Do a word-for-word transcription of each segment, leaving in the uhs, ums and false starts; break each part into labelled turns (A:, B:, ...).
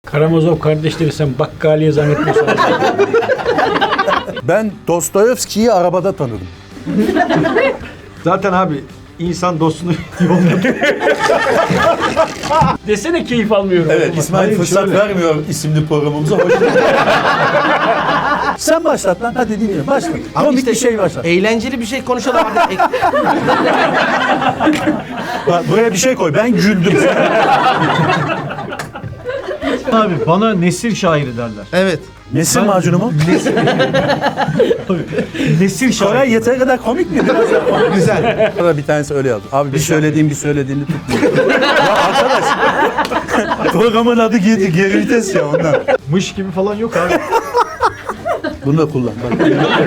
A: Karamazov kardeşleri sen bakkaliye zannetmiyorsan.
B: Ben Dostoyevski'yi arabada tanıdım.
C: Zaten abi insan dostunu yolda.
A: Desene keyif almıyorum.
B: Evet, İsmail
C: Hayır,
B: fırsat
C: şöyle.
B: vermiyor isimli programımıza. Hoş geldin. Sen başlat lan, hadi dinliyorum. Başlat.
D: Ama
B: Komik
D: işte
B: bir şey başlat.
D: Eğlenceli bir şey konuşalım. Hadi.
B: Bak, buraya bir şey koy, ben güldüm.
C: Abi bana nesir şairi derler.
D: Evet.
B: Nesin macunu mu?
C: Nesir şairi.
B: Koray yeteri kadar komik mi? Biraz daha komik.
D: Güzel.
B: Sonra bir tanesi öyle yazdı. Abi bir söylediğim bir söylediğini tutmuyor. Ya arkadaş. Programın adı geri, geri vites ya ondan.
C: Mış gibi falan yok abi.
B: Bunu da kullan. Bak.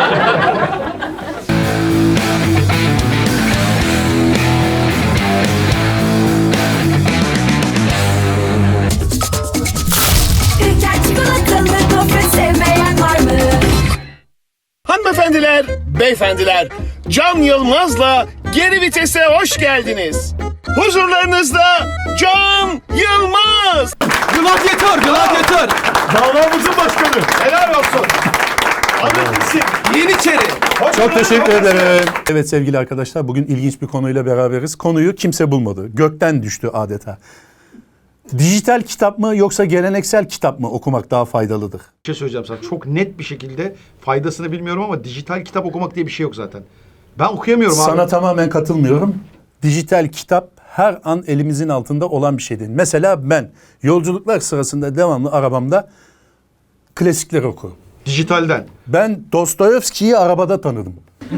E: Ülker çikolatalı gofret sevmeyen var mı?
F: Hanımefendiler, beyefendiler, Can Yılmaz'la Geri Vites'e hoş geldiniz. Huzurlarınızda Can Yılmaz.
D: Gladyatör, gladyatör.
C: Davamızın başkanı. Helal olsun. Ahmet misin?
D: Yeniçeri.
B: Çok teşekkür ederim. Evet sevgili arkadaşlar, bugün ilginç bir konuyla beraberiz. Konuyu kimse bulmadı. Gökten düştü adeta. Dijital kitap mı yoksa geleneksel kitap mı okumak daha faydalıdır?
C: Bir şey söyleyeceğim sana. Çok net bir şekilde faydasını bilmiyorum ama dijital kitap okumak diye bir şey yok zaten. Ben okuyamıyorum abi.
B: Sana tamamen katılmıyorum. Dijital kitap her an elimizin altında olan bir şey değil. Mesela ben yolculuklar sırasında devamlı arabamda klasikler okurum.
C: Dijitalden.
B: Ben Dostoyevski'yi arabada tanıdım.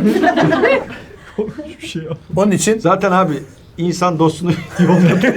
C: Bir şey yok.
B: Onun için
C: Zaten abi insan dostunu yolda.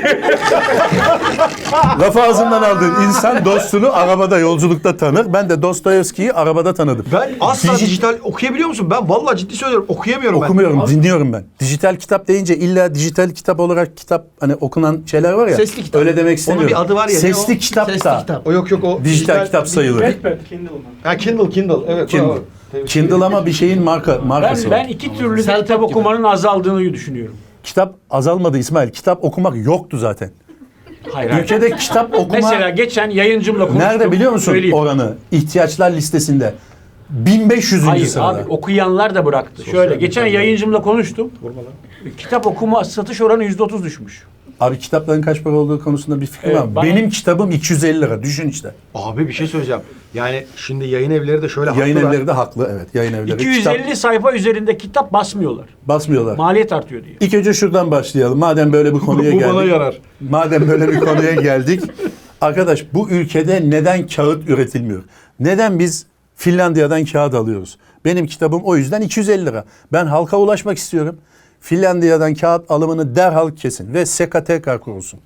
B: lafı ağzımdan aldığın insan dostunu arabada yolculukta tanır. Ben de Dostoyevski'yi arabada tanıdım.
C: Ben asla
B: Diji-
C: dijital okuyabiliyor musun? Ben vallahi ciddi söylüyorum okuyamıyorum
B: Okumuyorum,
C: ben.
B: dinliyorum ben. Dijital kitap deyince illa dijital kitap olarak kitap hani okunan şeyler var ya.
D: Sesli kitap.
B: Öyle demek istemiyorum.
C: bir adı var ya, ne
B: Sesli
C: o?
B: kitap
D: Sesli
B: da
D: kitap.
C: O yok yok o.
B: dijital kitap sayılır.
C: Ha Kindle Kindle. Evet.
B: Kindle.
C: bravo.
B: Kindle ama bir şeyin marka markası
A: Ben,
B: var.
A: ben iki türlü de
D: Selpak
A: kitap
D: gibi.
A: okumanın azaldığını düşünüyorum.
B: Kitap azalmadı İsmail. Kitap okumak yoktu zaten.
A: Hayır, hayır.
B: Ülkede kitap okuma
A: Mesela geçen yayıncımla konuştum.
B: nerede biliyor musun
A: Söyleyeyim.
B: oranı? İhtiyaçlar listesinde. bin beş yüzüncü
A: Hayır
B: sırada.
A: abi okuyanlar da bıraktı. Şöyle geçen yayıncımla konuştum. Kitap okuma satış oranı yüzde otuz düşmüş.
B: Abi kitapların kaç para olduğu konusunda bir fikrim
A: Evet,
B: var.
A: bana-
B: Benim kitabım iki yüz elli lira. Düşün işte.
C: Abi bir şey söyleyeceğim. Yani şimdi yayın evleri de şöyle
B: Yayın
C: haklılar.
B: evleri de haklı. Evet, yayın evleri.
A: iki yüz elli
B: Kitap
A: sayfa üzerinde kitap basmıyorlar.
B: basmıyorlar.
A: Maliyet artıyor diye.
B: İlk önce şuradan başlayalım. Madem böyle bir konuya
C: Bu
B: geldik.
C: bana yarar.
B: Madem böyle bir konuya geldik. Arkadaş bu ülkede neden kağıt üretilmiyor? Neden biz Finlandiya'dan kağıt alıyoruz? Benim kitabım o yüzden iki yüz elli lira. Ben halka ulaşmak istiyorum. Finlandiya'dan kağıt alımını derhal kesin ve SEKA tekrar kurulsun.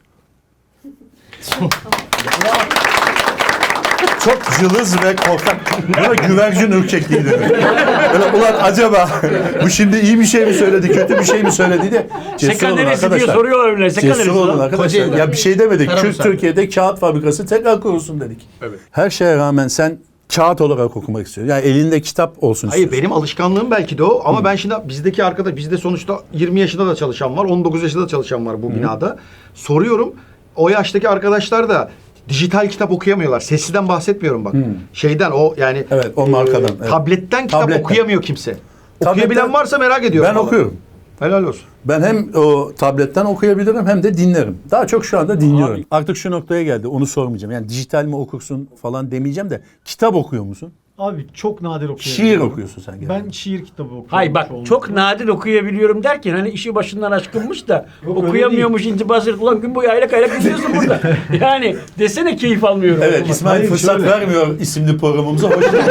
B: Çok cılız ve korkak. Buna güvercin ürkekliği denir. Böyle ulan acaba bu şimdi iyi bir şey mi söyledi, kötü bir şey mi söyledi de cesur
A: Seka
B: olun
A: neresi diye
B: arkadaşlar.
A: soruyorlar öyle. Seka
B: Cesur
A: neresi
B: olun
A: lan?
B: arkadaşlar.
D: Kocaeli.
B: Ya bir şey demedik.
D: Tarafı
B: Kürt
D: sen.
B: Türkiye'de kağıt fabrikası tekrar kurulsun dedik.
C: Evet.
B: Her şeye rağmen sen kağıt olarak okumak istiyorsun. Yani elinde kitap olsun
C: Hayır
B: istiyorsun.
C: benim alışkanlığım belki de o ama ben şimdi bizdeki arkadaş bizde sonuçta yirmi yaşında da çalışan var, on dokuz yaşında da çalışan var bu binada. Soruyorum o yaştaki arkadaşlar da dijital kitap okuyamıyorlar. Sesli'den bahsetmiyorum bak. Şeyden o yani
B: Evet, o markadan, evet.
C: tabletten kitap
B: Tabletten.
C: okuyamıyor kimse.
B: Tabletten-
C: Okuyabilen varsa merak ediyorum.
B: Ben
C: vallahi.
B: okuyorum.
C: Helal olsun.
B: Ben hem o tabletten okuyabilirim hem de dinlerim. Daha çok şu anda dinliyorum.
A: Abi.
B: Artık şu noktaya geldi. Onu sormayacağım. Yani dijital mi okursun falan demeyeceğim de kitap okuyor musun?
G: Abi çok nadir okuyorum.
B: Şiir okuyorsun sen genelde.
G: Ben şiir kitabı okuyorum.
A: Hayır bak
G: çoğunlukla.
A: çok nadir okuyabiliyorum derken hani işi başından aşkınmış da
G: Yok, öyle
A: okuyamıyormuş intibası. Ulan gün boyu aylak aylak gidiyorsun burada. Yani desene keyif almıyorum.
B: Evet,
A: okumaktan.
B: İsmail
G: Hayır,
B: fırsat
G: şöyle.
B: vermiyor isimli programımıza. Hoş geldin.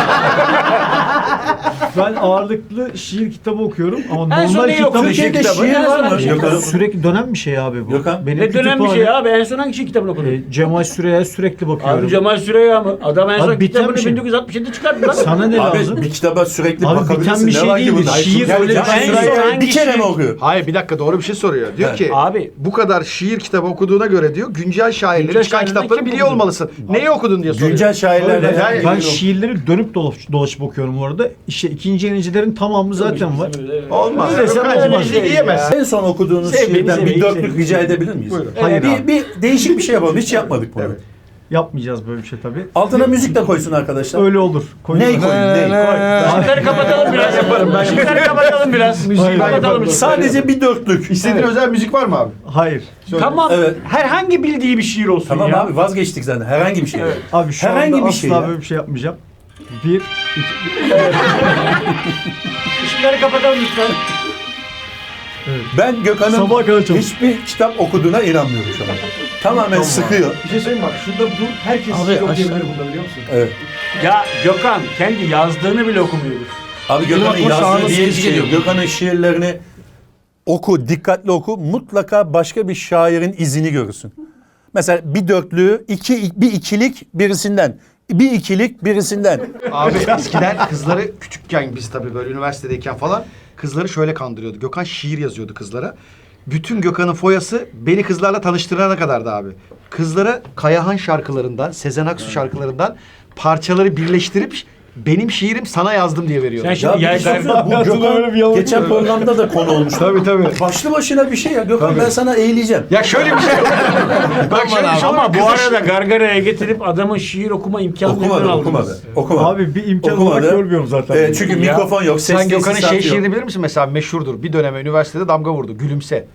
G: Ben ağırlıklı şiir kitabı okuyorum ama
A: En son
G: normal
A: neyi
G: kitabı...
A: okudun?
B: Türkiye'de
A: kitabı.
B: şiir
A: En
B: var
A: son
B: mı?
A: hangi
B: Yok,
A: kitabı?
B: yok.
G: Sürekli dönen bir şey abi bu.
B: Gökhan?
G: Benim
A: Ne dönem bir
G: kütüphane-
A: şey abi? En son hangi şey kitabını okudun?
G: E, Cemal Süreyya'ya sürekli bakıyorum.
A: Abi Cemal Süreya mı? Adam en
G: Abi
A: son
G: biten
A: kitabını
G: bir şey.
A: bin dokuz yüz altmış yedi çıkarttı lan.
G: Sana ne
B: Abi
G: lazım?
B: bir kitaba sürekli
G: Abi
B: bakabilirsin.
G: biten bir
B: Ne
G: şey
B: var ki
G: değildi.
B: bunda?
G: Şiir
B: Yani
G: öyle bir
B: Cemal
A: şey.
B: Süreya
A: Hangi
B: bir kere
A: şiir?
B: mi okuyor?
C: Hayır bir dakika doğru bir şey soruyor. Diyor
B: Evet.
C: ki
A: Abi.
C: bu kadar şiir kitabı okuduğuna göre diyor güncel şairleri
A: Güncel
C: çıkan
A: şairlerden
C: kitapları
A: kim
C: biliyor
A: okudu?
C: olmalısın. Neyi okudun diye soruyor.
B: Güncel şairlerle.
C: Öyle, yani-
G: Ben şiirleri dönüp dolaşıp, dolaşıp okuyorum bu arada. İşte ikinci yenicilerin tamamı zaten var.
C: Olmaz.
G: Öyle sen
C: Öyle
G: olmaz.
C: bir şey diyemezsin.
B: En son okuduğunuz
A: Sevmeyi,
B: şiirden bir
A: sevmeyi,
B: dörtlük
A: sevmeyi.
B: rica edebilir miyiz?
C: Buyurun.
G: Hayır
B: bir,
G: abi.
B: bir değişik bir şey yapalım. Hiç yapmadık bunu.
C: Evet.
G: Yapmayacağız böyle bir şey tabii.
B: Altına müzik de koysun arkadaşlar.
G: Öyle olur. Koyun.
B: Ney koyun? Ney?
A: Işıkları kapatalım biraz. Yaparım ben. Işıkları kapatalım biraz.
G: Hayır,
A: Kapatalım ışıkları.
B: Sadece bir dörtlük.
C: İstediğin özel müzik var mı abi?
G: Hayır.
A: Tamam.
B: Evet.
A: Herhangi bildiği bir şiir olsun
B: Tamam
A: ya.
B: abi vazgeçtik zaten. Herhangi bir şey.
G: Abi şu
B: Herhangi
G: anda
B: bir
G: asla
B: şey ya.
G: böyle bir şey yapmayacağım. Bir, iki,
A: Işıkları kapatalım lütfen.
B: Ben Gökhan'ın
G: Sabaha kadar çalış.
B: hiçbir kitap okuduğuna inanmıyorum şu an. Tamamen sıkıyor.
G: Bir şey söyleyeyim bak. Şurada dur. Herkes
D: Abi,
G: şiir okuyabilir
D: aşağı-
G: bunda biliyor musun?
B: Evet.
A: Ya Gökhan kendi yazdığını bile okumuyordur.
B: Abi Gökhan'ın
D: aklıma şu
B: yazdığı
D: anda
B: diye bir
D: sıkıcı
B: şey yok.
D: geliyor.
B: Gökhan'ın şiirlerini oku, dikkatli oku. Mutlaka başka bir şairin izini görürsün. Mesela bir dörtlüğü, iki, bir ikilik birisinden. Bir ikilik birisinden.
C: Abi eskiden kızları küçükken biz tabii böyle üniversitedeyken falan kızları şöyle kandırıyordu. Gökhan şiir yazıyordu kızlara. Bütün Gökhan'ın foyası beni kızlarla tanıştırana kadardı abi. Kızlara Kayahan şarkılarından, Sezen Aksu şarkılarından parçaları birleştirip benim şiirim sana yazdım diye veriyordu.
A: Sen şimdi
B: Ya
A: ya,
B: bir şey söyleyeyim, bu
G: Hayatımda böyle bir
B: Gökhan
G: yalan
B: geçen programda da konu olmuş.
C: Tabii tabii.
B: Başlı başına bir şey ya. Gökhan ben sana eğileceğim.
C: Ya şöyle bir şey yok. Bak şöyle bir şey
A: ama
C: olur.
A: bu
C: Kızı-
A: arada gargaraya getirip adamın şiir okuma imkanını
B: Okumadı,
A: aldınız.
B: okumadı. Okumadı.
G: Abi bir imkan
B: Okumadı.
G: olarak görmüyorum zaten.
B: Ee, çünkü
A: Ya,
B: mikrofon yok, ses
C: Sen Gökhan'ın
B: tesisatı
C: şey
B: yok.
C: şiirini bilir misin mesela meşhurdur. Bir döneme üniversitede damga vurdu. Gülümse.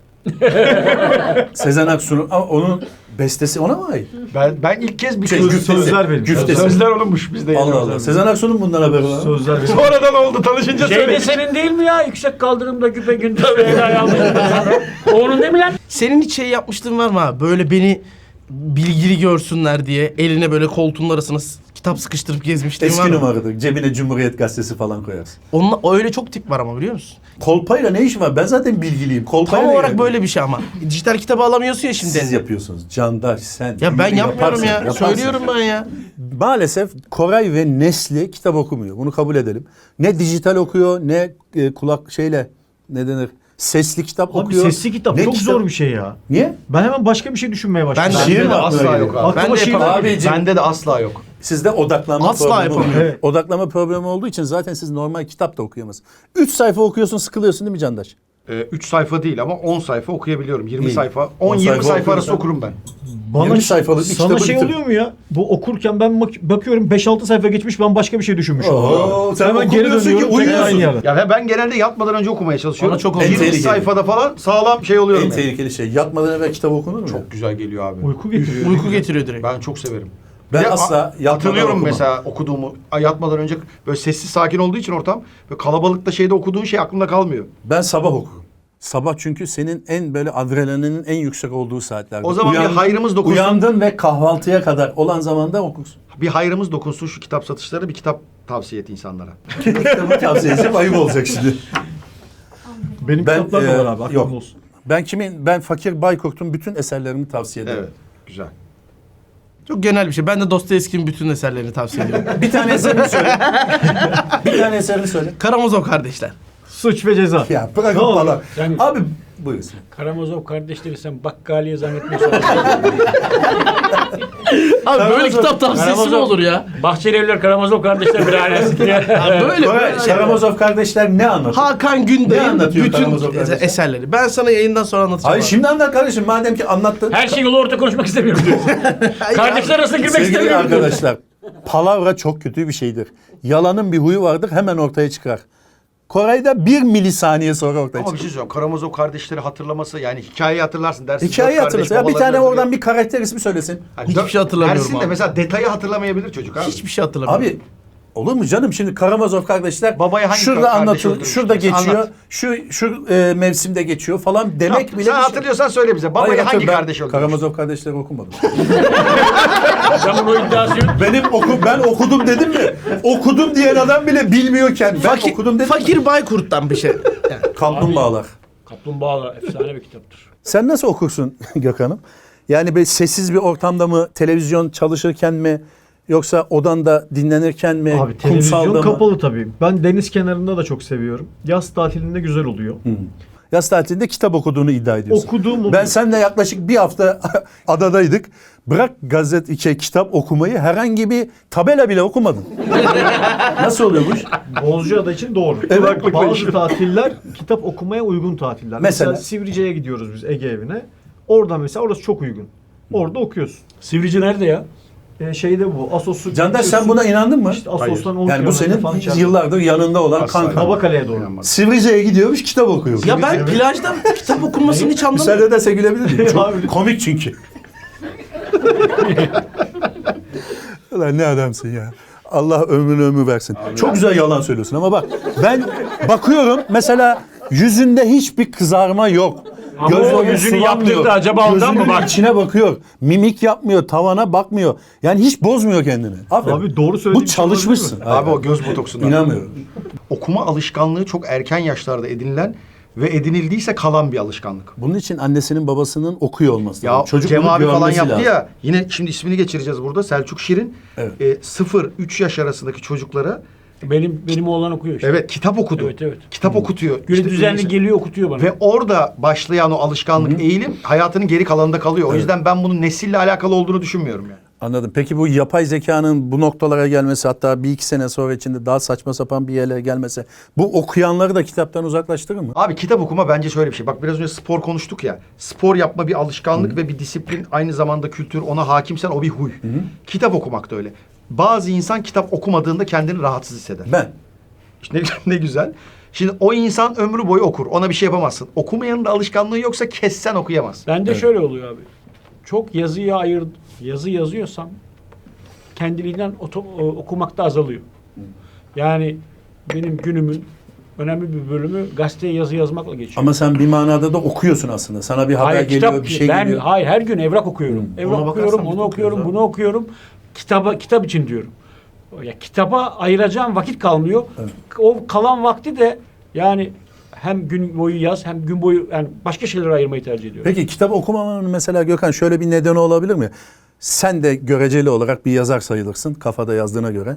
B: Sezen Aksu'nun ama onun bestesi ona mı ait?
C: Ben ben ilk kez bir
B: Şey,
C: söz-
B: güftesi.
G: sözler benim.
B: Güftesi.
C: sözler olunmuş bizde.
B: Allah Allah. Sezen Aksu'nun bundan haberi var.
G: Sözler benim.
C: Sonradan oldu tanışınca
A: Şey de
C: söyledik.
A: senin değil mi ya? Yüksek kaldırımda güpe gündüz Leyla yalnız. O onun değil mi lan?
D: Senin hiç şey yapmıştın var mı abi? Böyle beni bilgili görsünler diye eline böyle koltuğun arasına s- kitap sıkıştırıp gezmişliğin var
B: Eski
D: mı?
B: numaradır. Cebine Cumhuriyet Gazetesi falan koyarsın.
D: Onunla, öyle çok tip var ama biliyor musun?
B: Kolpayla ne işin var? Ben zaten bilgiliyim. Kolpayla
D: Tam
B: ne
D: olarak
B: gerek?
D: böyle bir şey ama. Dijital kitabı alamıyorsun ya şimdi.
B: Siz yapıyorsunuz. Candaş sen.
D: Ya ben
B: yürü,
D: yapmıyorum
B: yaparsın,
D: ya.
B: yaparsın.
D: Söylüyorum ben ya.
B: Maalesef Koray ve Nesli kitap okumuyor. Bunu kabul edelim. Ne dijital okuyor ne e, kulak şeyle ne denir? Sesli kitap
G: Abi
B: okuyor.
G: sesli kitap
B: Ne
G: çok zor bir şey ya.
B: Niye?
G: Ben hemen başka bir şey düşünmeye başladım.
D: Ben de-
B: Şiir
C: Bende
B: mi
C: de
B: aklına
C: asla
B: geliyor?
C: yok abi.
G: Aklıma
D: Ben de
G: şiir
D: yapamam.
G: geldi.
B: Abicim,
C: Bende de asla yok.
B: sizde odaklanma
D: Asla
B: problemi var.
D: yapamıyorum.
G: Evet.
B: Odaklama problemi olduğu için zaten siz normal kitap da okuyamazsınız. Üç sayfa okuyorsun sıkılıyorsun değil mi Candaş?
C: Ee, üç sayfa değil ama on sayfa okuyabiliyorum. yirmi
B: İyi.
C: sayfa.
B: on
C: on yirmi
B: sayfa
C: sayfa arası
B: okuyorsan-
C: okurum ben.
G: Bana
B: yirmi sayfalık bir
G: sana
B: kitabı
G: şey
B: bitir.
G: oluyor mu ya? Bu okurken ben bak- bakıyorum beş altı sayfa geçmiş ben başka bir şey düşünmüşüm.
B: Oo, sen
G: Hemen geri
B: okumuyorsun ki,
G: dönüyorum tekrar
B: uyuyorsun.
G: aynı yerden.
C: Ya ben genelde yatmadan önce okumaya çalışıyorum.
D: Bana çok
C: yirmi
B: En tehlikeli.
C: sayfada falan sağlam şey oluyorum.
B: En
C: yani.
B: tehlikeli şey. Yatmadan evvel kitap okunur mu? ya?
C: Çok güzel geliyor abi.
G: Uyku getiriyor.
D: Uyku getiriyor direkt.
C: Ben çok severim.
B: Ben
C: Bir de
B: asla
C: a-
B: yatmadan
C: hatırlıyorum
B: okumam.
C: mesela okuduğumu a- yatmadan önce böyle sessiz sakin olduğu için ortam böyle kalabalıkta şeyde okuduğun şey aklımda kalmıyor.
B: Ben sabah okurum. Sabah çünkü senin en böyle adrenalinin en yüksek olduğu saatlerde.
C: O zaman bir hayrımız dokunsun.
B: Uyandın ve kahvaltıya kadar olan zamanda okursun.
C: Bir hayrımız dokunsun şu kitap satışları bir kitap tavsiye et insanlara.
B: Kitabı tavsiye edeceğim ayıp olacak şimdi.
G: Benim
B: Ben,
G: kitaplar da
B: e,
G: var abi aklın
B: yok.
G: olsun.
B: Ben kimin? Ben Fakir Baykurt'un bütün eserlerini tavsiye ederim.
C: Evet. Güzel.
D: Çok genel bir şey. Ben de Dostoyevski'nin bütün eserlerini tavsiye ediyorum.
B: Bir tane eserini söyle. Bir tane eserini söyle.
D: Karamazov kardeşler.
G: Suç ve ceza.
B: Ya bırak
G: Ne oldu?
B: falan.
A: Sen-
B: Abi buyursun.
A: Karamazov kardeşleri sen bakkaliye zannetmiyorsan.
D: Abi böyle
B: Karamazov-
D: kitap tavsiyesi mi
A: Karamazov-
D: olur ya?
A: Bahçelievler Karamazov kardeşler bir ailesi diye.
D: Abi böyle
B: Koray,
D: böyle şey.
B: Karamazov kardeşler ne anlatıyor?
D: Hakan
B: Ne
D: Günday'ın
B: anlatıyor
D: bütün
B: Karamazov kardeşler?
D: eserleri. Ben sana yayından sonra anlatacağım.
B: Hayır
D: abi.
B: şimdi anlat kardeşim madem ki anlattın.
A: Her şeyi yolu orta konuşmak istemiyorum diyorsun. Kardeşler arasında girmek
B: Sevgili
A: istemiyorum.
B: arkadaşlar, palavra çok kötü bir şeydir. Yalanın bir huyu vardır, hemen ortaya çıkar. Koray'da bir milisaniye sonra ortaya
C: Ama bir
B: çıkar.
C: şey söyleyeyim. Karamazov kardeşleri hatırlaması yani hikayeyi hatırlarsın dersin.
B: Hikayeyi
C: dört kardeş
B: hatırlasın. Ya bir
C: babalarını
B: tane
C: öldürüyor.
B: oradan bir karakter ismi söylesin.
C: Yani
D: Hiçbir
C: dört-
D: şey hatırlamıyorum
C: Dersin de
D: abi.
C: mesela detayı hatırlamayabilir çocuk abi.
D: Hiçbir şey hatırlamıyorum.
B: Abi olur mu canım şimdi Karamazov kardeşler
C: Babayı hangi
B: şurada
C: kardeş
B: anlatıyor,
C: öldürmüş?
B: şurada geçiyor,
C: Anlat.
B: şu şu e, mevsimde geçiyor falan demek
C: Sen
B: bile bir şey.
C: hatırlıyorsan söyle bize. Babayı
B: Hayır,
C: hangi
B: hatırlıyorum. Ben
C: kardeş öldürmüş?
B: Karamazov kardeşleri okumadım.
A: Adamın o iddiası yok.
B: Benim oku ben okudum dedim mi? Okudum diyen adam bile bilmiyorken ben
D: fakir,
B: okudum dedim.
D: fakir Baykurt'tan bir şey. Yani.
B: Kaplumbağalar.
A: Kaplumbağalar efsane bir kitaptır.
B: Sen nasıl okursun Gökhan'ım? Yani böyle sessiz bir ortamda mı, televizyon çalışırken mi, yoksa odanda dinlenirken mi,
G: Abi televizyon
B: kumsalda mı?
G: kapalı tabii. Ben deniz kenarında da çok seviyorum. Yaz tatilinde güzel oluyor.
B: Yaz tatilinde kitap okuduğunu iddia ediyorsun.
G: Okuduğum oluyor.
B: Ben seninle yaklaşık bir hafta adadaydık. Bırak gazete, şey, kitap okumayı herhangi bir tabela bile okumadın. Nasıl oluyor bu iş?
G: Bozcaada için doğru.
B: Evet.
G: Bazı tatiller kitap okumaya uygun tatiller. Mesela,
B: Mesela?
G: Sivrice'ye gidiyoruz biz Ege evine. Oradan mesela orası çok uygun. Orada okuyorsun.
A: Sivrici nerede ya?
G: E, şeyde bu Asos'u...
B: Candaş sen buna inandın mı?
G: İşte Asos'tan on
B: Yani bu
G: kilometre falan
B: senin
G: içeride.
B: yıllardır yanında olan
C: Asla.
B: kanka.
G: Kabakale'ye doğru.
B: Sivrice'ye gidiyormuş, kitap okuyor.
D: Ya ben plajda kitap okunmasını hiç anlamadım.
B: Müsaade ederse gülebilir miyim? Çok
G: Abi.
B: komik çünkü. Ulan ne adamsın ya. Allah ömrünü ömür versin. Çok güzel yalan söylüyorsun ama bak ben bakıyorum mesela yüzünde hiçbir kızarma yok.
A: Ama o yüzünü
B: sulanmıyor.
A: yaptırdı acaba ondan mı
B: Gözünün
A: bak?
B: içine bakıyor. Mimik yapmıyor, tavana bakmıyor. Yani hiç bozmuyor kendini. Aferin.
G: Abi doğru söylediğin
B: Bu
G: şey olabilir
B: çalışmışsın.
G: mi?
C: Abi o göz botoksundan.
B: İnanmıyorum.
C: Okuma alışkanlığı çok erken yaşlarda edinilen ve edinildiyse kalan bir alışkanlık.
B: Bunun için annesinin babasının okuyor olması
C: Ya
B: lazım. Çocuk
C: Cem
B: bunu
C: abi falan
B: görmesi
C: yaptı
B: lazım.
C: ya. Yine şimdi ismini geçireceğiz burada. Selçuk Şirin.
B: Evet.
C: E, sıfır üç yaş arasındaki çocuklara
A: Benim benim oğlan okuyor işte.
C: evet kitap okudu.
A: Evet, evet.
C: Kitap okutuyor.
A: Günü
C: İşte
A: düzenli
C: mesela-
A: geliyor okutuyor bana.
C: Ve orada başlayan o alışkanlık, eğilim hayatının geri kalanında kalıyor. O yüzden ben bunun nesille alakalı olduğunu düşünmüyorum yani.
B: Anladım. Peki bu yapay zekanın bu noktalara gelmesi, hatta bir iki sene sonra içinde daha saçma sapan bir yerlere gelmesi, bu okuyanları da kitaptan uzaklaştırır mı?
C: Abi kitap okuma bence şöyle bir şey. Bak biraz önce spor konuştuk ya. Spor yapma bir alışkanlık ve bir disiplin, aynı zamanda kültür, ona hakimsen o bir huy. Kitap okumak da öyle. Bazı insan kitap okumadığında kendini rahatsız hisseder.
B: Ben.
C: İşte ne, ne güzel. Şimdi o insan ömrü boyu okur. Ona bir şey yapamazsın. Okumayanın da alışkanlığı yoksa kessen okuyamaz.
A: Bende şöyle oluyor abi. Çok yazıya ayır, yazı yazıyorsam kendiliğinden oto, o- okumakta azalıyor. Yani benim günümün önemli bir bölümü gazeteye yazı yazmakla geçiyor.
B: Ama sen bir manada da okuyorsun aslında. Sana bir haber
A: hayır,
B: geliyor,
A: kitap,
B: bir şey
A: ben,
B: geliyor.
A: Hayır, her gün evrak okuyorum. Evrak
D: Ona bakarsan
A: okuyorum,
D: biz de
A: onu okuyorum,
D: okuyoruz
A: bunu okuyorum. Kitaba, kitap için diyorum. Ya kitaba ayıracağım vakit kalmıyor. O kalan vakti de yani hem gün boyu yaz hem gün boyu yani başka şeylere ayırmayı tercih ediyorum.
B: Peki kitap okumamanın mesela Gökhan şöyle bir nedeni olabilir mi? Sen de göreceli olarak bir yazar sayılırsın kafada yazdığına göre.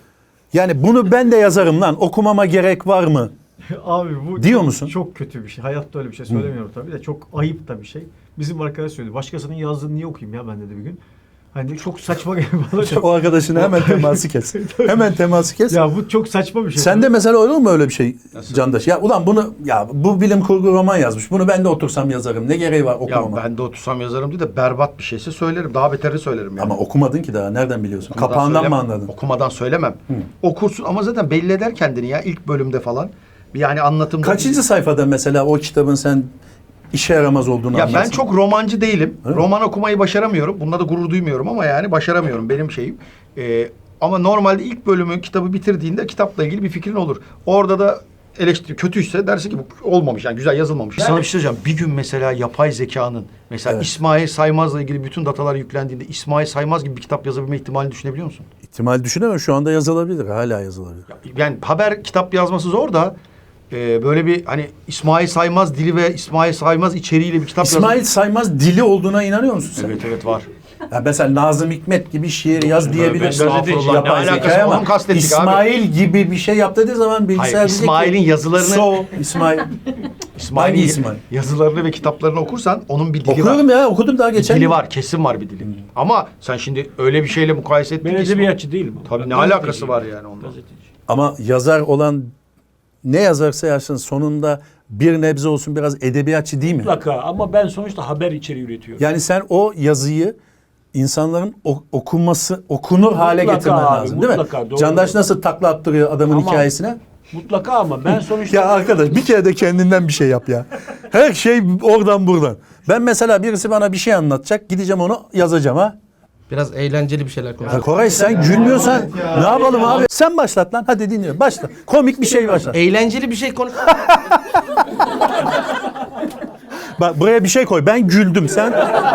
B: Yani bunu ben de yazarım lan, okumama gerek var mı?
G: Abi bu
B: Diyor
G: çok,
B: musun?
G: çok kötü bir şey. Hayatta öyle bir şey söylemiyorum tabii de çok ayıp da bir şey. Bizim arkadaş söyledi. Başkasının yazdığını niye okuyayım ya ben dedi bir gün. Hani çok saçma geliyor bana çok.
B: O arkadaşına hemen teması kes. Hemen teması kes.
G: Ya bu çok saçma bir şey.
B: Sen de mesela olur mu öyle bir şey Candaş? Ya ulan bunu, ya bu bilim kurgu roman yazmış. Bunu ben de otursam yazarım. Ne gereği var
C: Ya
B: okumama?
C: ben de otursam yazarım diye de berbat bir şeyse söylerim. Daha beteri söylerim yani.
B: Ama okumadın ki daha. Nereden biliyorsun?
C: Okumadan
B: Kapağından mı
C: söylemem.
B: anladın?
C: Okumadan söylemem. Okursun ama zaten belli eder kendini ya ilk bölümde falan. Bir yani anlatımda.
B: Kaçıncı sayfada mesela o kitabın sen işe yaramaz olduğunu
C: Ya ben
B: anlarsın?
C: çok romancı değilim.
B: Evet.
C: Roman okumayı başaramıyorum. Bunda da gurur duymuyorum ama yani başaramıyorum benim şeyim. Ee, ama normalde ilk bölümü kitabı bitirdiğinde kitapla ilgili bir fikrin olur. Orada da eleştiri kötüyse dersin ki bu olmamış yani güzel yazılmamış. Sana bir şey söyleyeceğim. Bir gün mesela yapay zekanın mesela
B: Evet.
C: İsmail Saymaz'la ilgili bütün datalar yüklendiğinde İsmail Saymaz gibi bir kitap yazabilme ihtimalini düşünebiliyor musun?
B: İhtimal düşünemem. Şu anda yazılabilir. Hala yazılabilir.
C: Yani haber kitap yazması zor da e, böyle bir hani İsmail Saymaz dili ve İsmail Saymaz içeriğiyle bir kitap
B: İsmail
C: yazması.
B: Saymaz dili olduğuna inanıyor musun sen?
C: Evet evet var.
B: Ya mesela Nazım Hikmet gibi şiir yaz diyebilirsin.
C: estağfurullah.
B: Yapay
C: Ne alakası
B: zekaya
C: var?
B: ama
C: Onu kastettik abi.
B: İsmail gibi bir şey yap dediği zaman bilgisayar
C: Hayır,
B: diyecek
C: İsmail'in
B: ki,
C: yazılarını
B: So, İsmail.
C: İsmail'in
B: Hangi İsmail?
C: yazılarını ve kitaplarını okursan onun bir dili
B: Okuyorum
C: var.
B: ya, okudum daha
C: Bir
B: geçen
C: dili
B: gün.
C: var, kesin var bir dili. Ama sen şimdi öyle bir şeyle mukayese ettin
A: Ben
C: ki İsmail-
A: edebiyatçı değilim. ama.
C: Tabii
A: Ben
C: ne
A: gazeteciyim.
C: alakası var yani ondan?
A: Gazeteci.
B: Ama yazar olan ne yazarsa yazsın sonunda bir nebze olsun biraz edebiyatçı değil mi?
A: Mutlaka ama ben sonuçta haber içeriği üretiyorum.
B: Yani sen o yazıyı insanların o- okunması, okunur hale
A: Mutlaka
B: getirmen
A: abi,
B: lazım değil
A: mutlaka,
B: mi?
A: doğru.
B: Candaş nasıl takla attırıyor adamın
A: Tamam.
B: hikayesine?
A: Mutlaka ama ben sonuçta...
B: Ya arkadaş bir kere de kendinden bir şey yap ya. Her şey oradan buradan. Ben mesela birisi bana bir şey anlatacak. Gideceğim onu yazacağım ha.
D: Biraz eğlenceli bir şeyler
B: Ya
D: konuşalım.
B: Koray sen gülmüyorsan ne yapalım abi? Sen başlat lan. Hadi dinliyorum. Başla. Komik bir şey başla.
D: Eğlenceli bir şey konuş.
B: Bak buraya bir şey koy. Ben güldüm. Sen...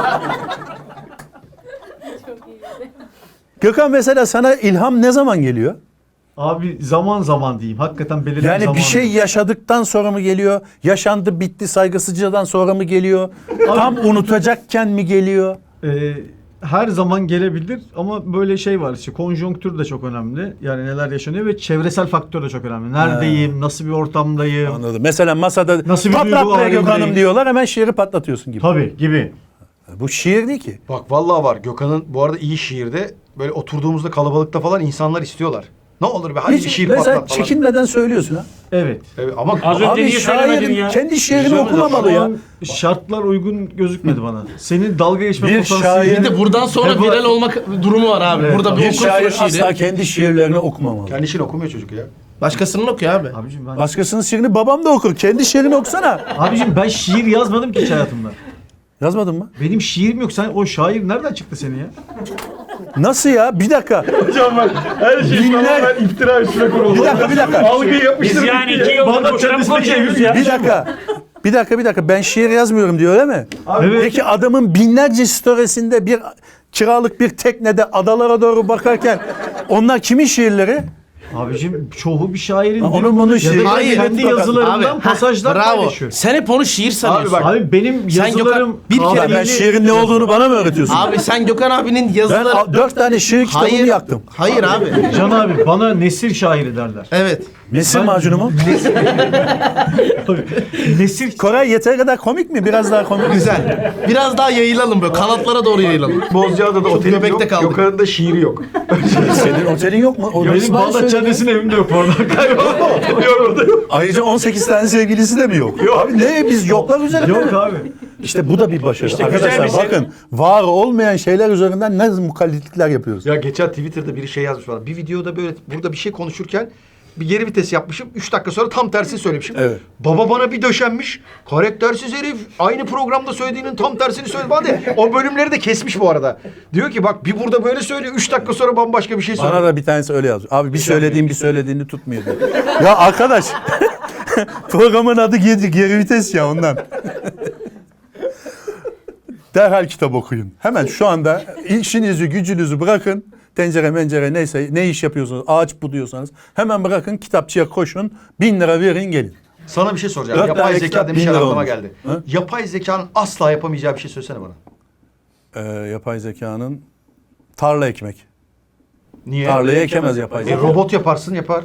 B: Gökhan mesela sana ilham ne zaman geliyor?
G: Abi zaman zaman diyeyim. Hakikaten belirli
B: Yani
G: zaman.
B: bir şey yaşadıktan sonra mı geliyor? Yaşandı bitti saygısızcadan sonra mı geliyor? Tam unutacakken mi geliyor?
G: Ee, her zaman gelebilir ama böyle şey var işte konjonktür de çok önemli. Yani neler yaşanıyor ve çevresel faktör de çok önemli. Neredeyim, nasıl bir ortamdayım.
B: Anladım. Mesela masada
G: Nasıl bir
B: patlat
G: duygu
B: buraya Gökhan'ım
G: halindeyim?
B: diyorlar hemen şiiri patlatıyorsun gibi.
G: Tabii gibi.
B: Bu şiir değil ki.
C: Bak vallahi var. Gökhan'ın bu arada iyi şiirde böyle oturduğumuzda kalabalıkta falan insanlar istiyorlar. Ne olur be hadi bir
B: Hiç,
C: şiir
B: mesela
C: patlat falan.
B: çekinmeden söylüyorsun ha.
G: Evet.
C: Evet, ama
A: Az önce
B: Abi
A: niye söylemedin
B: şairin
A: ya?
B: kendi şiirini
C: Güzel
B: okumamalı
G: Şu
B: ya.
G: an şartlar uygun gözükmedi bana. Senin dalga geçme
B: Bir
G: potansiyelin...
D: Bir de buradan sonra
G: Heba-
D: viral olmak durumu var abi. Burada bir
B: Bir
D: okursun
B: şair
D: şiiri.
B: asla kendi şiirlerini okumamalı.
C: kendisini okumuyor çocuk ya.
D: Başkasının okuyor abi.
G: Abicim ben,
B: Başkasının şiirini babam da okur. Kendi şiirini okusana.
G: abicim ben şiir yazmadım ki hiç hayatımda.
B: Yazmadın mı?
G: Benim şiirim yok. Sen o şair nereden çıktı senin ya?
B: Nasıl ya? Bir dakika.
G: Hocam bak her şey
B: Binler-
G: iftira üstüne kuruldu.
B: Bir dakika, bir dakika.
G: Algıyı yapıştırdık
A: Biz yani
G: diye.
A: iki yıldır
G: Bana
A: boşuna mı
G: kendisine
A: konuşuyoruz
G: çevir-
A: ya?
B: Bir dakika. Bir dakika, bir dakika. Ben şiir yazmıyorum diyor öyle mi?
G: Evet.
B: Peki adamın binlerce storiesinde bir kiralık bir teknede adalara doğru bakarken onlar kimin şiirleri?
G: Abicim çoğu bir şairin
B: Ha,
G: değil
B: onun
G: mi?
B: bunun
G: Ya da
B: şiiri.
G: kendi
B: Hayır,
G: yazılarından
D: Abi,
G: pasajlar
D: heh, bravo.
G: paylaşıyor.
D: Sen hep onu şiir sanıyorsun.
C: bak-
G: Abi benim
D: Sen
G: yazılarım
D: Gökhan- bir kere
B: Ya ben
G: kafiyeli-
B: şiirin ne olduğunu bana mı öğretiyorsun?
D: Abi sen Gökhan abinin
B: Ben
D: yazıları...
B: a- dört tane şiir kitabını
D: Hayır,
B: yaktım.
D: hayır abi.
G: Can abi bana nesir şairi derler.
D: Evet.
B: Mesir macunu mu?
G: Nesir
B: Koray yeteri kadar komik mi? Biraz daha komik.
D: Güzel. Biraz daha yayılalım böyle. Kanatlara doğru yayılalım.
C: Bozcaada'da
D: Çok
C: otelim
D: göbekte
C: yok.
D: kaldık.
C: Gökhan'ın da şiiri yok.
B: Senin otelin yok mu? O
G: benim
B: İsmail
G: Bağdat
B: söyledi.
G: Caddesi'nin evimde yok orada. Yok orada yok.
B: Ayrıca on sekiz tane sevgilisi de mi yok? Abi ne biz yoklar üzerinde.
G: Yok abi.
B: İşte bu da bir başarı.
A: güzel
B: Arkadaşlar
A: bir şey.
B: bakın var olmayan şeyler üzerinden ne mukallitlikler yapıyoruz.
C: Ya geçen Twitter'da biri şey yazmış bana. Bir videoda böyle burada bir şey konuşurken bir geri vites yapmışım. Üç dakika sonra tam tersini söylemişim.
B: Evet.
C: Baba bana bir döşenmiş. Karaktersiz herif. Aynı programda söylediğinin tam tersini söyledi. Bana de, o bölümleri de kesmiş bu arada. Diyor ki bak bir burada böyle söylüyor. Üç dakika sonra bambaşka bir şey söylüyor.
B: Bana da bir tanesi öyle yazıyor. Abi bir söylediğim bir söylediğini tutmuyor diyor. Ya arkadaş programın adı geri, geri vites ya ondan. Derhal kitap okuyun. Hemen şu anda işinizi gücünüzü bırakın. Tencere mencere neyse ne iş yapıyorsunuz ağaç buduyorsanız hemen bırakın kitapçıya koşun. Bin lira verin gelin.
C: Sana bir şey soracağım.
B: Dört
C: Yapay
B: tane
C: zeka
B: kitap
C: demişler
B: bin lira
C: aklıma
B: olmuş.
C: geldi.
B: Ha?
C: Yapay zekanın asla yapamayacağı bir şey söylesene bana.
B: Ee, yapay zekanın tarla ekmek.
C: Niye?
B: Tarlayı ekemez yapay
C: E,
B: zeka.
C: robot yaparsın yapar.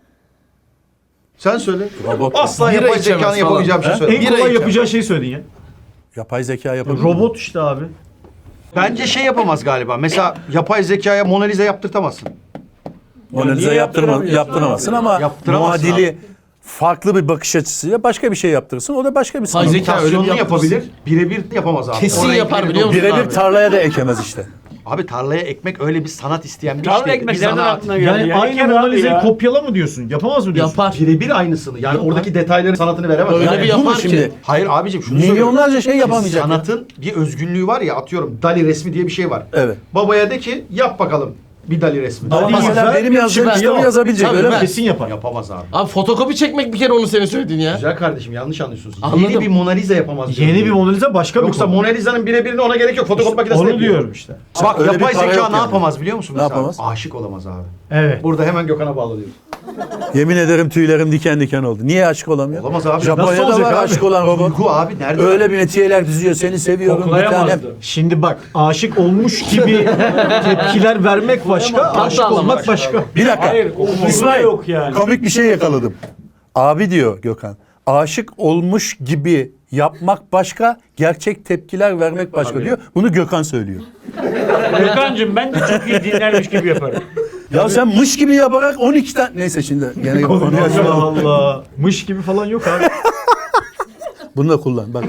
C: Sen söyle.
B: Robot.
C: Asla
D: Bira
C: yapay
D: içemez
C: zekanın
D: falan.
C: yapamayacağı bir şey
B: He?
C: söyle.
G: En
D: Bira
G: kolay
D: içeceğim.
G: yapacağı şeyi söyledin ya.
B: Yapay zeka yapabilir.
G: Robot işte abi.
C: Bence şey yapamaz galiba. Mesela yapay zekaya Mona Lisa yaptırtamazsın.
B: Mona Lisa
A: Niye
B: yaptırma,
A: yaptıramıyorsun
B: yaptıramazsın ama
C: Yaptıramazsın
B: muadili farklı bir bakış açısıyla başka bir şey yaptırırsın. O da başka bir sanat.
D: Zeka öyle bir
C: İmitasyonunu
D: yaptırsın.
C: yapabilir. Birebir yapamaz abi.
D: Kesin
C: O
D: yapar
C: renkleri
D: biliyor musun?
B: Birebir
D: abi?
B: tarlaya da ekemez işte.
C: Abi tarlaya ekmek öyle bir sanat isteyen bir
A: Tarla
C: iş değil.
A: ekmek
C: Bir
A: nereden
C: sanat.
A: aklına geldi
G: Yani
A: ya?
G: aynı
A: Eker
G: Mona
A: abi
G: Lisa'yı
A: ya.
G: kopyala mı diyorsun? Yapamaz mı diyorsun?
D: Yapar.
C: Birebir aynısını. Yani oradaki detayların sanatını veremez.
D: Öyle
C: Yani
D: bir
B: bu mu
D: yapar
B: şimdi?
D: ki.
C: Hayır abicim şunu söylüyorum.
B: Milyonlarca şey yapamayacak. ya.
C: Sanatın bir özgünlüğü var ya atıyorum Dali resmi diye bir şey var.
B: Evet.
C: Babaya de ki yap bakalım bir Dali resmi.
B: Ama
G: Dali
B: mesela
G: yazar,
B: benim yazdığım
D: süper.
B: kitabı
G: Yok.
B: yazabilecek
D: Tabii
B: öyle mi?
D: ben-
G: Kesin yapar.
C: Yapamaz abi.
D: Abi fotokopi çekmek bir kere onu senin söylediğin ya.
C: Güzel kardeşim yanlış anlıyorsunuz.
D: Anladım.
C: Yeni bir Mona Lisa yapamaz. diyorum.
G: Yeni bir Mona Lisa başka bir
C: Yoksa
G: konu.
C: Mona Lisa'nın birebirini ona gerek yok. Fotokopi makinesinde
G: Onu
C: yapıyor.
G: diyorum işte.
C: Bak
B: Öyle bir
C: yapay
B: para
C: zeka
B: yok
C: ne
B: yani.
C: yapamaz biliyor musun?
B: Ne
C: mesela?
B: yapamaz?
C: Aşık olamaz abi.
G: Evet.
C: Burada hemen Gökhan'a bağlanıyoruz.
B: Yemin ederim tüylerim diken diken oldu. Niye aşık olamıyor?
C: Olamaz abi. Nasıl
B: Japonya'da
G: olacak
B: var
G: abi?
B: aşık olan robot.
C: Duygu abi nerede?
B: Öyle bir metiyeler düzüyor. Seni seviyorum bir tanem.
A: Koklayamazdı.
G: Şimdi bak aşık olmuş gibi tepkiler vermek başka, aşık
D: Tatlı
G: olmak
D: anlamak.
G: başka.
B: Bir dakika.
A: Hayır, okuması
B: İsmail,
A: yok yani.
B: komik bir şey yakaladım. Abi diyor Gökhan. Aşık olmuş gibi yapmak başka, gerçek tepkiler vermek başka diyor. Bunu Gökhan söylüyor.
A: Gökhan'cığım ben de çok iyi dinlermiş gibi yaparım.
B: Ya sen mış gibi yaparak on iki tane... Neyse şimdi gene konuyu
G: Allah
B: açalım.
G: Allah. Mış gibi falan yok abi.
B: Bunu da kullan. Bak.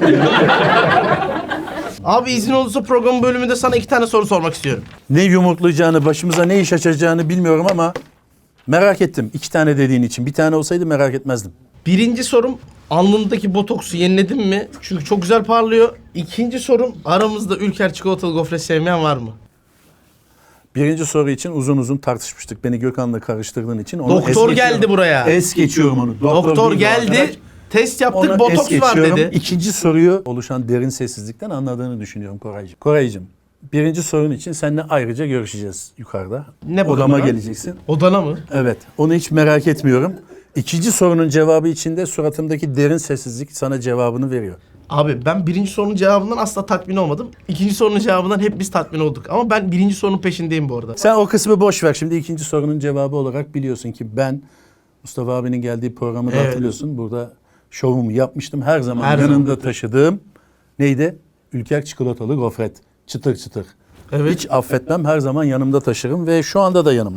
D: Abi izin olursa programın bölümünde sana iki tane soru sormak istiyorum.
B: Ne yumurtlayacağını, başımıza ne iş açacağını bilmiyorum ama merak ettim. İki tane dediğin için. Bir tane olsaydı merak etmezdim.
D: Birinci sorum alnındaki botoksu yeniledin mi? Çünkü çok güzel parlıyor. İkinci sorum aramızda Ülker çikolatalı gofret sevmeyen var mı?
B: Birinci soru için uzun uzun tartışmıştık. Beni Gökhan'la karıştırdığın için. Onu
D: Doktor
B: es geçiyorum.
D: geldi buraya.
B: Es geçiyorum onu.
D: Doktor
B: değil bu
D: geldi.
B: arkadaş.
D: Test yaptık
B: Onu
D: botoks
B: es
D: var
B: geçiyorum.
D: dedi.
B: İkinci soruyu oluşan derin sessizlikten anladığını düşünüyorum Koraycığım. Koraycığım, birinci sorun için seninle ayrıca görüşeceğiz yukarıda.
D: Ne
B: Odama
D: bakımdan?
B: geleceksin.
D: Odana mı?
B: Evet, onu hiç merak etmiyorum. İkinci sorunun cevabı içinde suratımdaki derin sessizlik sana cevabını veriyor.
D: Abi ben birinci sorunun cevabından asla tatmin olmadım. İkinci sorunun cevabından hep biz tatmin olduk. Ama ben birinci sorunun peşindeyim bu arada.
B: Sen o kısmı boş ver. Şimdi ikinci sorunun cevabı olarak biliyorsun ki ben Mustafa abinin geldiği programı da
D: Evet.
B: hatırlıyorsun. Burada şovumu yapmıştım. Her zaman
D: Her
B: yanımda
D: zaman.
B: taşıdığım neydi? Ülker çikolatalı gofret. Çıtır çıtır.
D: Evet.
B: Hiç affetmem. Her zaman yanımda taşırım ve şu anda da yanımda.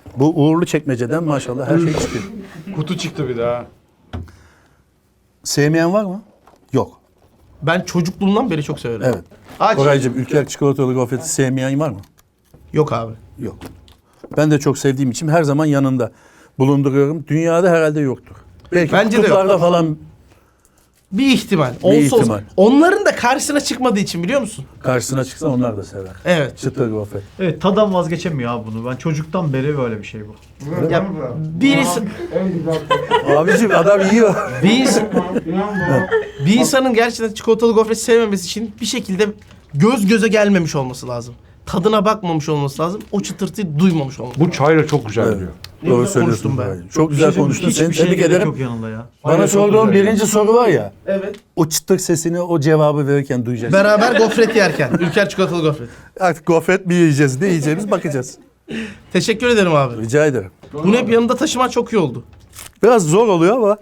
B: Bu uğurlu çekmeceden maşallah her şey çıkıyor.
A: Kutu çıktı bir daha.
B: Sevmeyen var mı? Yok.
D: Ben çocukluğumdan beri çok severim.
B: Evet.
C: Aç.
B: Koraycığım ülker çikolatalı gofreti sevmeyen var mı?
D: Yok abi.
B: Yok. Ben de çok sevdiğim için her zaman yanında bulunduruyorum. Dünyada herhalde yoktur. Belki
D: Bence de yok.
B: kutuplarda falan
D: Bir ihtimal. Olsa
B: ihtimal.
D: olsa. Onların da karşısına çıkmadığı için biliyor musun?
B: karşısına çıksa onlar da sever.
D: Evet.
B: Çıtır gofret.
G: Evet, tadan vazgeçemiyor abi bunu. Ben çocuktan beri böyle bir şey bu.
D: Ya, birisi,
B: Abicim adam yiyor.
D: bir, insan, bir insanın gerçekten çikolatalı gofret sevmemesi için bir şekilde göz göze gelmemiş olması lazım. Tadına bakmamış olması lazım. O çıtırtıyı duymamış olması lazım.
A: Bu çayla çok güzel gidiyor.
D: Ne
B: Doğru
D: güzel
B: söylüyorsun.
D: konuştum ben.
B: Koraycığım. Çok güzel konuştun. Seni
G: Hiçbir şey
B: tebrik
G: gerek
B: ederim.
G: yok yanında ya.
B: Bana
A: çok
B: sorduğun
A: güzel.
B: birinci soru var ya.
D: Evet.
B: O çıtır sesini o cevabı verirken duyacaksın.
D: Beraber gofret yerken. Ülker çikolatalı gofret.
B: Artık gofret mi yiyeceğiz, ne yiyeceğimiz bakacağız.
D: Teşekkür ederim abi.
B: Rica ederim.
D: Bunu hep yanında taşıman çok iyi oldu.
B: Biraz zor oluyor ama.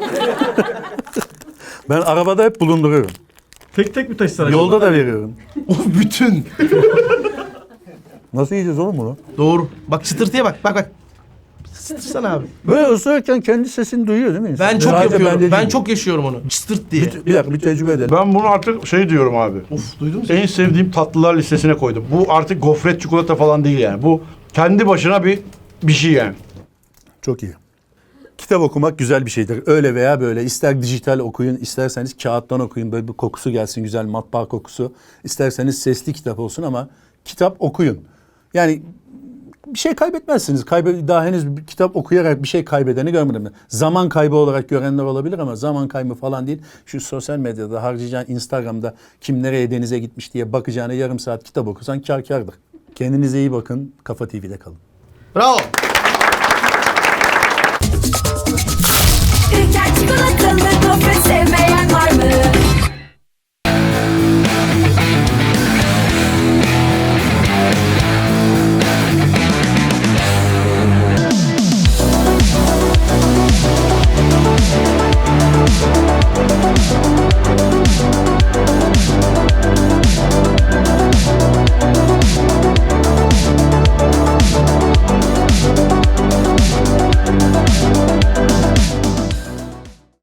B: Ben arabada hep bulunduruyorum.
G: Tek tek mi taşısan acaba?
B: Yolda da veriyorum.
D: O bütün.
B: Nasıl yiyeceğiz oğlum bunu?
D: Doğru. Bak çıtırtıya bak. Bak bak. Çıtırsana abi.
B: Böyle ısırırken kendi sesini duyuyor değil mi insan?
D: Ben çok
B: Sadece
D: yapıyorum.
B: bende
D: Ben
B: değil.
D: çok yaşıyorum onu. Çıtırt diye.
B: Bir, bir dakika bir tecrübe edelim.
A: Ben bunu artık şey diyorum abi.
D: Of duydun mu sen?
A: En sevdiğim tatlılar listesine koydum. Bu artık gofret çikolata falan değil yani. Bu kendi başına bir bir şey yani.
B: Çok iyi. Kitap okumak güzel bir şeydir. Öyle veya böyle. İster dijital okuyun, isterseniz kağıttan okuyun. Böyle bir kokusu gelsin, güzel matbaa kokusu. İsterseniz sesli kitap olsun ama kitap okuyun. Yani bir şey kaybetmezsiniz. Kaybe daha henüz bir kitap okuyarak bir şey kaybedeni görmedim. ben. Zaman kaybı olarak görenler olabilir ama zaman kaybı falan değil. Şu sosyal medyada harcayacağın Instagram'da kim nereye denize gitmiş diye bakacağına yarım saat kitap okusan kâr kârdır. Kendinize iyi bakın. Kafa T V'de kalın.
D: Bravo.
E: Ülker çikolatalı gofret sevmeyen var mı?